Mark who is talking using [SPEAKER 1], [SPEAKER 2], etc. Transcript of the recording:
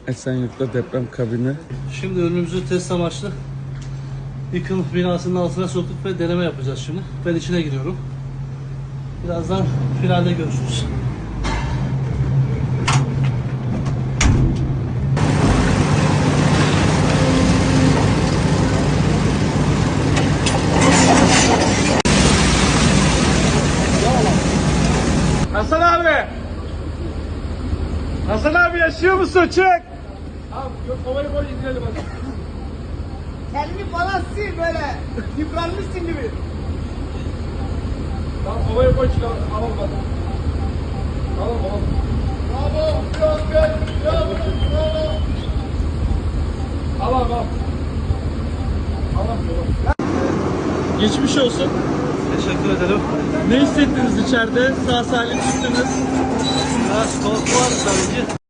[SPEAKER 1] Esenyurt'ta deprem kabini.
[SPEAKER 2] Şimdi ürünümüzü test amaçlı yıkım binasının altına soktuk ve deneme yapacağız şimdi. Ben içine giriyorum. Birazdan finalde görüşürüz.
[SPEAKER 3] Hasan abi! Hasan abi yaşıyor musun? Çık! Abi yok havayı koy indirelim hadi.
[SPEAKER 4] Elini falan sil böyle. Yıpranmışsın gibi.
[SPEAKER 3] Tamam havayı koy çık alalım hadi. Alalım. Bravo! Bravo! Al.
[SPEAKER 1] Geçmiş olsun.
[SPEAKER 2] Teşekkür ederim.
[SPEAKER 1] Ne hissettiniz içeride? Sağ salim çıktınız.
[SPEAKER 2] Biraz korku var tabii ki.